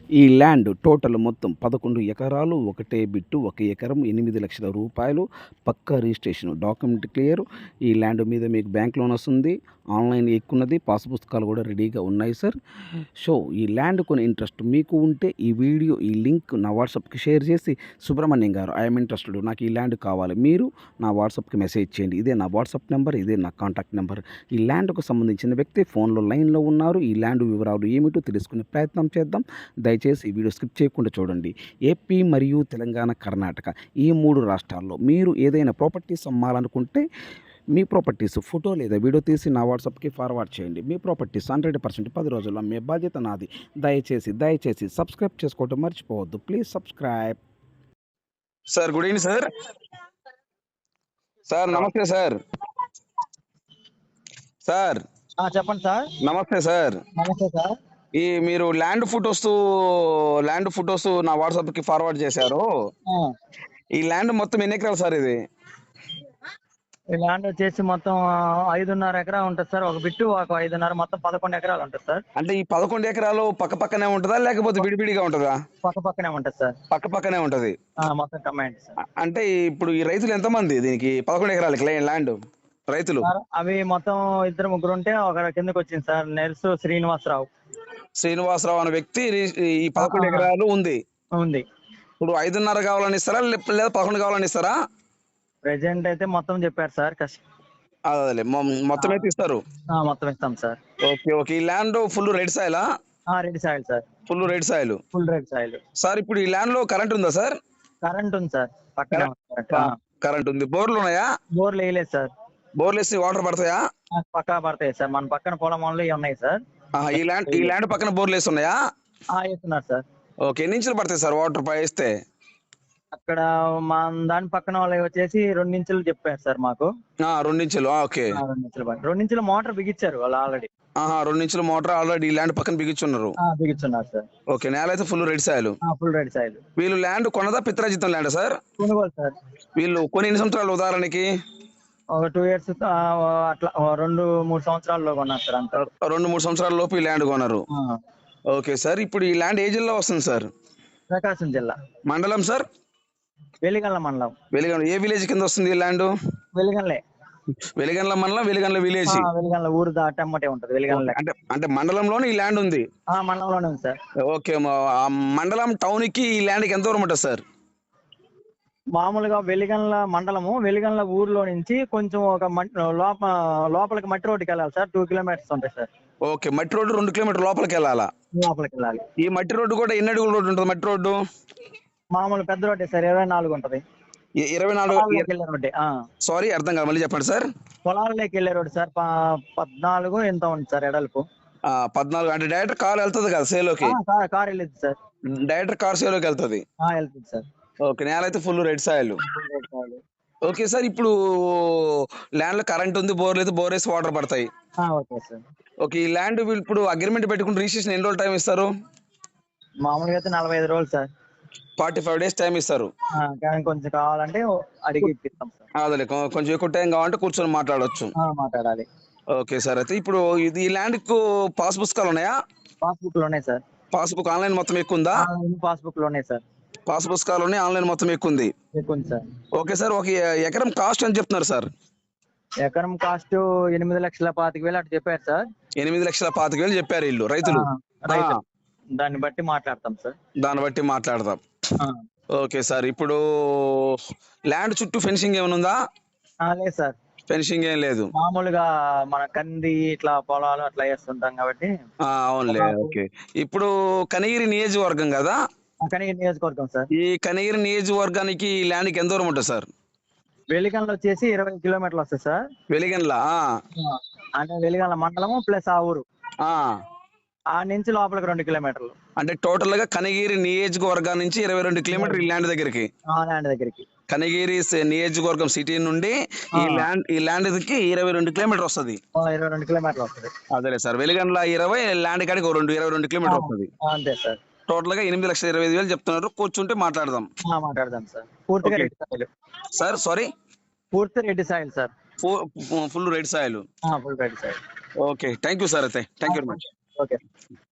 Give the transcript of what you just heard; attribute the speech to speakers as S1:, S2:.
S1: ఈ land total మొత్తం 11 ఎకరాలు, ఒకటే బిట్టు, 1 ఎకరం, 8,00,000 రూపాయలు, పక్కా రిజిస్ట్రేషన్, డాక్యుమెంట్ క్లియర్. ఈ ల్యాండ్ మీద మీకు బ్యాంక్ లోన్ వస్తుంది. ఆన్లైన్ ఎక్కున్నది, పాస్ పుస్తకాలు కూడా రెడీగా ఉన్నాయి సార్. సో ఈ ల్యాండ్ కొని ఇంట్రెస్ట్ మీకు ఉంటే ఈ వీడియో ఈ లింక్ నా వాట్సాప్కి షేర్ చేసి, సుబ్రహ్మణ్యం గారు ఐఎమ్ ఇంట్రెస్టెడ్, నాకు ఈ ల్యాండ్ కావాలి, మీరు నా వాట్సాప్కి మెసేజ్ చేయండి. ఇదే నా వాట్సాప్ నెంబర్, ఇదే నా కాంటాక్ట్ నెంబర్. ఈ ల్యాండ్కు సంబంధించిన వ్యక్తి ఫోన్లో లైన్లో ఉన్నారు. ఈ ల్యాండ్ వివరాలు ఏమిటో తెలుసుకునే ప్రయత్నం చేద్దాం. దయచేసి ఈ వీడియో స్కిప్ చేయకుండా చూడండి. ఏపీ మరియు తెలంగాణ, కర్ణాటక ఈ 3 రాష్ట్రాల్లో మీరు ఏదైనా ప్రాపర్టీస్ అమ్మాలనుకుంటే మీ ప్రాపర్టీస్ ఫోటో లేదా వీడియో తీసి నా వాట్సాప్కి ఫార్వర్డ్ చేయండి. మీ ప్రాపర్టీస్ 100% 10 రోజుల్లో అమ్మే బాధ్యత నాది. దయచేసి సబ్స్క్రైబ్ చేసుకోవడం మర్చిపోవద్దు. Please subscribe.
S2: Sir good evening sir. Sir నమస్తే సార్. సార్
S3: చెప్పండి సార్.
S2: నమస్తే సార్.
S3: నమస్తే సార్.
S2: ఈ మీరు ల్యాండ్ ఫోటోస్ నా వాట్సాప్ కి ఫార్వర్డ్ చేశారు. ఈ ల్యాండ్ మొత్తం ఎన్ని ఎకరాలు సార్ ఇది?
S3: ఈ ల్యాండ్ వచ్చేసి మొత్తం 5.5 ఎకరా ఉంటుంది సార్. ఒక బిట్టు ఒక 5.5 మొత్తం 11 ఎకరాలు ఉంటుంది సార్.
S2: అంటే ఈ 11 ఎకరాలు పక్క పక్కనే ఉంటుందా లేకపోతే విడివిడిగా ఉంటుందా?
S3: పక్క పక్కనే ఉంటుంది సార్.
S2: పక్క పక్కనే ఉంటది.
S3: మొత్తం కమాండ్ సార్.
S2: అంటే ఇప్పుడు ఈ రైతులు ఎంతమంది దీనికి 11 ఎకరాలకి ల్యాండ్ రైతులు?
S3: అవి మొత్తం 2-3 ఉంటే ఒక కిందకి వచ్చింది సార్. నెర్సు
S2: శ్రీనివాసరావు అనే వ్యక్తి ఈ 11 ఎకరాలు ఉంది. ఇప్పుడు 5.5 కావాలని ఇస్తారా లేదా 11 కావాలని ఇస్తారా?
S3: ప్రెసెంట్ అయితే మొత్తం చెప్పారు సార్.
S2: అదే మొత్తం అయితే ఇస్తారు.
S3: మొత్తం ఇస్తాం సార్.
S2: ఓకే. ఈ land full red soil?
S3: Red soil sir.
S2: Full red soil sir. ఇప్పుడు ఈ ల్యాండ్ లో కరెంట్ ఉందా సార్?
S3: కరెంట్ ఉంది సార్. పక్కన
S2: కరెంట్ ఉంది. బోర్లు ఉన్నాయా?
S3: బోర్లు వేయలేదు సార్.
S2: బోర్లు వేసి వాటర్ పడతాయా?
S3: పక్కా పడతాయి సార్. మన పక్కన పొలం ఉన్నాయి సార్.
S2: ఈ ల్యాండ్ పక్కన బోర్లు వేసి ఉన్నాయా?
S3: వేస్తున్నారు సార్.
S2: ఓకే. ఎన్ని ఇంచులు పడతాయి సార్ వాటర్ వేస్తే?
S3: అక్కడ మా దాని పక్కన వాళ్ళు వచ్చేసి 2 ఇంచులు చెప్పారు సార్ మాకు.
S2: 2 ఇంచులు. ఓకే.
S3: 2 ఇంచులు మోటార్ బిగించారు వాళ్ళు ఆల్రెడీ.
S2: 2 ఇంచుల మోటార్ ఆల్రెడీ ల్యాండ్ పక్కన బిగించున్నారు
S3: సార్.
S2: ఓకే. నేల అయితే ఫుల్ రెడ్ సాయిల్. వీళ్ళు ల్యాండ్ కొన్నదా పిత్రాజితం ల్యాండ్ సార్?
S3: కొనుగోలు సార్.
S2: వీళ్ళు కొన్ని ఎన్ని సంవత్సరాలు ఉదాహరణకి?
S3: ఒక 2 years అట్లా 2-3 సంవత్సరాల్లో కొన్నారు సార్. అంత
S2: 2-3 సంవత్సరాల లోపు ఈ ల్యాండ్ కొన్నారు. Okay sir. ఇప్పుడు ఈ ల్యాండ్ ఏ జిల్లా వస్తుంది సార్?
S3: ప్రకాశం జిల్లా.
S2: మండలం సార్?
S3: వెలిగండ్ల మండలం.
S2: వెలిగండ్ల. ఏ విలేజ్ కింద వస్తుంది ఈ ల్యాండ్? వెలిగండ్ల మండలం, వెలిగండ్ల విలేజ్.
S3: వెలిగండ్ల ఊరు దాటమ్మటే ఉంటది. వెలిగండ్ల
S2: అంటే మండలంలోనే ఈ ల్యాండ్ ఉంది.
S3: మండలంలోనే ఉంది సార్.
S2: ఓకే. మండలం టౌన్ కి ఈ ల్యాండ్ కి ఎంత దూరం ఉంటుంది సార్?
S3: మామూలుగా వెలిగండ్ల మండలము, వెలిగండ్ల ఊర్లో నుంచి కొంచెం ఒక లోపలికి మట్టి రోడ్డుకి వెళ్ళాలి సార్. 2 kilometers ఉంటాయి సార్.
S2: ఓకే. మట్టి రోడ్డు 2 kilometers లోపలికి వెళ్ళాలి. ఈ మట్టి రోడ్డు కూడా ఎన్ని అడుగుల రోడ్డు ఉంటుంది? మట్టి రోడ్డు
S3: మామూలు పెద్ద రోడ్డే సార్. 24 ఉంటది.
S2: 24? సారీ అర్థం కాదు, మళ్ళీ చెప్పండి సార్.
S3: పొలాలలోకి వెళ్ళే రోడ్డు సార్. 14 ఎంత ఉంది సార్ ఎడల్పు.
S2: 14 అంటే డైరెక్ట్ కార్ వెళ్తుంది కదా సేలోకి?
S3: కార్ వెళ్ళింది సార్.
S2: డైరెక్ట్ కార్ సేలోకి వెళ్తుంది
S3: సార్.
S2: ఓకే. నేల అయితే full red soil. Okay sir. ఇప్పుడు ల్యాండ్ లో కరెంట్ ఉంది, బోర్ లేదు, బోర్ వేసి వాటర్ పడతాయి.
S3: Okay sir.
S2: ఓకే. ఈ ల్యాండ్ ఇప్పుడు అగ్రిమెంట్ పెట్టుకుని రిజిస్ట్రేషన్ ఎన్ని రోజులు టైం ఇస్తారు?
S3: మామూలుగా అయితే 45 రోజులు సార్.
S2: 45 days టైం ఇస్తారు.
S3: కొంచెం కావాలంటే అడిగి ఇప్పిస్తాం సార్.
S2: అదే కొంచెం ఎక్కువ టైం కావాలంటే కూర్చొని మాట్లాడవచ్చు.
S3: మాట్లాడాలి.
S2: Okay sir. అయితే ఇప్పుడు ఈ ల్యాండ్ కు పాస్ పుస్తకాలు ఉన్నాయా?
S3: పాస్బుక్ లో ఉన్నాయి సార్.
S2: పాస్బుక్ ఆన్లైన్ మొత్తం ఎక్కువ ఉందా?
S3: పాస్బుక్ లో ఉన్నాయి సార్.
S2: పాస్ పుస్తకాలు ఉన్నాయి, ఆన్లైన్ మొత్తం ఎక్కువ ఉంది
S3: సార్.
S2: Okay sir. ఒక ఎకరం కాస్ట్ అని చెప్తున్నారు సార్?
S3: ఎకరం కాస్ట్ 8,25,000 అటు చెప్పారు సార్.
S2: 8,25,000 చెప్పారు వీళ్ళు రైతులు.
S3: దాన్ని బట్టి మాట్లాడతాం.
S2: Okay sir. ఇప్పుడు ల్యాండ్ చుట్టూ ఫెన్సింగ్ ఏమైనా ఉందా?
S3: లేదు సార్.
S2: ఫెన్సింగ్ ఏం లేదు.
S3: మామూలుగా మన కంది ఇట్లా పొలాలు అట్లా వేస్తుంటాం కాబట్టి.
S2: అవునులే. ఓకే. ఇప్పుడు కనిగిరి నియోజకవర్గం కదా?
S3: కనిగిరి నియోజకవర్గం సార్.
S2: ఈ కనిగిరి నియోజకవర్గానికి ఈ ల్యాండ్ కి ఎంత దూరం ఉంటుంది సార్?
S3: వెలిగండ్ల వచ్చేసి 20 kilometers వస్తుంది సార్.
S2: వెలిగండ్ల
S3: అంటే వెలిగండ్ల మండలము ప్లస్ ఆ ఊరు. ఆ నుంచి లోపలికి 2 kilometers.
S2: అంటే టోటల్ గా కనిగిరి నియోజకవర్గం నుంచి 22 kilometers ఈ ల్యాండ్ దగ్గరికి. కనిగిరి నియోజకవర్గం సిటీ నుండి ఈ ల్యాండ్ కి 22 kilometers వస్తుంది.
S3: 22 kilometers వస్తుంది.
S2: అదే సార్. వెలిగండ్ల 20, ల్యాండ్ కాడికి 22 kilometers వస్తుంది.
S3: అంతే సార్.
S2: టోటల్ గా 8,25,000 చెప్తున్నారు. కూర్చుంటే మాట్లాడదాం
S3: సార్. పూర్తిగా రెడ్ సాయిల్
S2: సార్. సారీ,
S3: పూర్తి red soil sir.
S2: Full red soil.
S3: Full red soil.
S2: Okay. Thank you sir. అయితే thank you very much.
S3: Okay.